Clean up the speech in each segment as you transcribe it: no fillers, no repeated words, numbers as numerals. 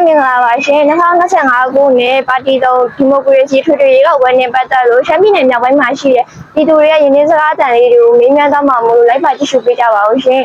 မင်္ဂလာပါရှင်2025ခုနှစ်ပါတီတော်ဒီမိုကရေစီထွေထွေရေကောက်ပွဲနဲ့ပတ်သက်လို့ရှမ်းပြည်နယ်မြောက်ပိုင်းမှာရှိတဲ့ပြည်သူတွေရဲ့ရင်းနှီးစကားအတန်လေးတွေကိုမေးမြန်းသွားမှာမို့လို့လိုက်ပါကြည့်ရှုပေးကြပါဦးရှင်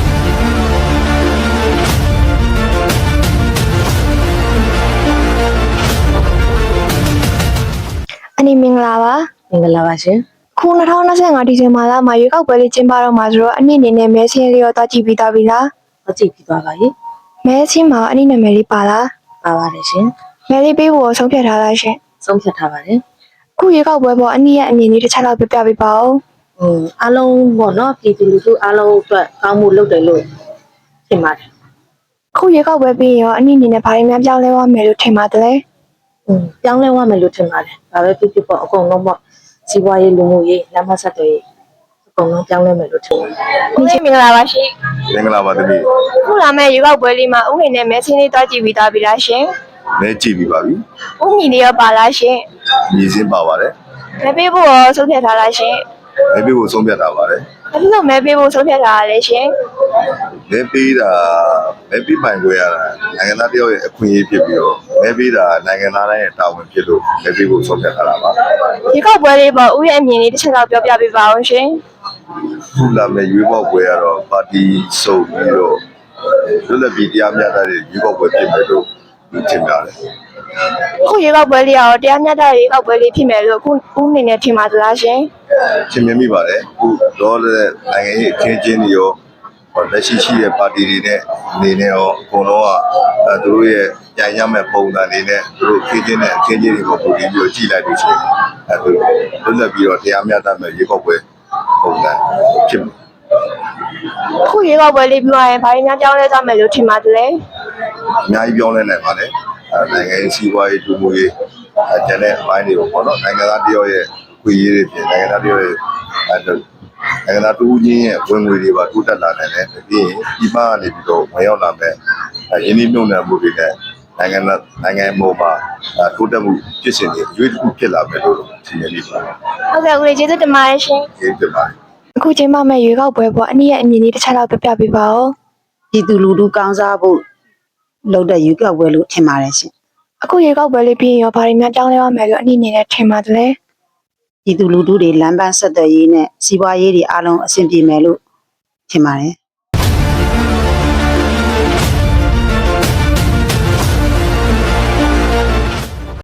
အနီမင်္ဂလာပါမင်္ဂလာပါရှင်ခု2025ဒီဇင်ဘာလမှာရေကောက်ပွဲလေးကျင်းပတော့မှာဆိုတော့အနည်းအနေနဲ့မဲဆင်းလေးရောတွားကြည့်ပြီးသားပြီလား။ဟုတ်ကြည့်ပြီးသွားပါပြီမဲဆင်းမှာအနည်းနာမည်လေးပါလား။ပါပါတယ်ရှင်မဲလေးပေးဖို့ဆုံးဖြတ်ထားလားရှင်။ဆုံးဖြတ်ထားပါတယ်ခုရေကောက်ပွဲပေါ်အနည်းရဲ့အမြင်လေးတစ်ချက်လောက်ပြပြပေးပါဦး။အားလုံးပေါ့နော်ပြည်သူလူထုအားလုံးအတွက်ကောင်းမှုလုပ်တယ်လို့ထင်ပါတယ်ခုရေကောက်ပွဲပြီးရောအနည်းအနေနဲ့ဘာတွေများပြောင်းလဲသွားမယ်လို့ထင်ပါတယ်လဲ။ပြောင်းလဲသွားမယ်လို့ထင်ပါတယ်။ဒါပဲဖြစ်ဖြစ်ပေါ့အကုန်လုံးပေါ့စီးပွားရေးလူမှုရေးလမ်းမဆက်တွေအကုန်လုံးပြောင်းလဲမယ်လို့ထင်ပါတယ်ဒီချိန်မင်္ဂလာပါရှင်မင်္ဂလာပါသမီးခုလာမယ့်ရေကောက်ပွဲလေးမှာဥနေနဲ့မဲဆင်းလေးတွားကြည့်ပြီးသားပြီလားရှင်မဲကြည့်ပြီးပါပြီဥညီလေးရောပါလားရှင်ညီစင်းပါပါတယ်မဲပေးဖို့ရောဆုံးဖြတ်ထားလားရှင်မဲပေးဖို့ဆုံးဖြတ်ထားပါတယ်ဘာဖြစ်လို့မဲပေးဖို့ဆုံးဖြတ်ထားရလဲရှင်မဲပေးတာမဲပေးပိုင်ခွင့်ရတာနိုင်ငံသားတယောက်ရဲ့အခွင့်အရေးဖြစ်ပြီးတော့မဲပေးတာနိုင်ငံသားတိုင်းရဲ့တာဝန်ဖြစ်လို့မဲပေးဖို့ဆုံးဖြတ်ထားတာပါရေကောက်ပွဲလေးပေါ်ဥရဲ့အမြင်လေးတစ်ချက်လောက်ပြောပြပေးပါဦးရှင်ခုလာမယ့်ရွေးကောက်ပွဲကတော့ပါတီစုံပြီးတော့လွတ်လပ်ပြီးတရားမျှတတဲ့ရွေးကောက်ပွဲဖြစ်မယ်လို့ထင်ပါတယ်ခုရေကောက်ပွဲလေးရောတရားမျှတတဲ့ရေကောက်ပွဲလေးဖြစ်မယ်လို့ခုဥအနေနဲ့ထင်ပါသလားရှင်ထင်မြင်မိပါတယ်ခုတော့လည်းနိုင်ငံရေးအခင်းအကျင်းတွေရောလက်ရှိရှိတဲ့ပါတီတွေနဲ့အနေနဲ့ရောအကုန်လုံးကသူတို့ရဲ့ကြိုင်ရမဲ့ပုံစံတွေနဲ့သူတို့ခင်းကျင်းတဲ့အခင်းကျင်းတွေကိုပုံပြီးတော့ကြည့်လိုက်လို့ရှိရင်သူလွတ်လပ်ပြီးတော့တရားမျှတမဲ့ရေကောက်ပွဲပုံစံဖြစ်မှာခုရေကောက်ပွဲလေးပြောရရင်ဘာတွေများပြောင်းလဲသွားမယ်လို့ထင်ပါတယ်လဲအများကြီးပြောင်းလဲနိုင်ပါလေနိုင်ငံရေးစီးပွားရေးလူမှုရေးကျန်တဲ့အပိုင်းတွေကိုပေါ့နော်နိုင်ငံသားတယောက်ရဲ့အခွင့်အရေးတွေပြင်နိုင်ငံသားတယောက်ရဲ့နိုင်ငံသားတူးချင်းရဲ့ဝင်ငွေတွေပါတိုးတက်လာနိုင်တယ်ပြီးရင်ဒီမှာကနေပြီးတော့ဝင်ရောက်လာမဲ့ရင်းနှီးမြှုပ်နှံမှုတွေနဲ့နိုင်ငံပေါ်မှာတိုးတက်မှုဖြစ်စဉ်တွေရွေးတစ်ခုဖြစ်လာမယ်လို့ထင်နေပါတဟုယ်တ်ကဲ့ဦးလေးကျေးဇူးတင်ပါတယ်ရှင်။ဒီတင်ပါတယ်အခုချိန်မှမဲ့ရေကောက်ပွဲပေါ်အနည်းရဲ့အမြင်လေးတစ်ချက်လောက်ပြပြပေးပါဦး။ပြည်သူလူထုကောင်းစားဖို့လုပ်တဲ့ရွေးကောက်ပွဲလို့ထင်ပါတယ်ရှင်အခုရေကောက်ပွဲလေးပြီးရင်ရောဘာတွေများပြောင်းလဲသွားမယ်လို့အနည်းအနေနဲ့ထင်ပါတယ်လဲ။ပြည်သူလူထုတွေလမ်းပန်းဆက်သွယ်ရေးနဲ့စီးပွားရေးတွေအားလုံးအဆင်ပြေမယ်လို့ထင်ပါတယ်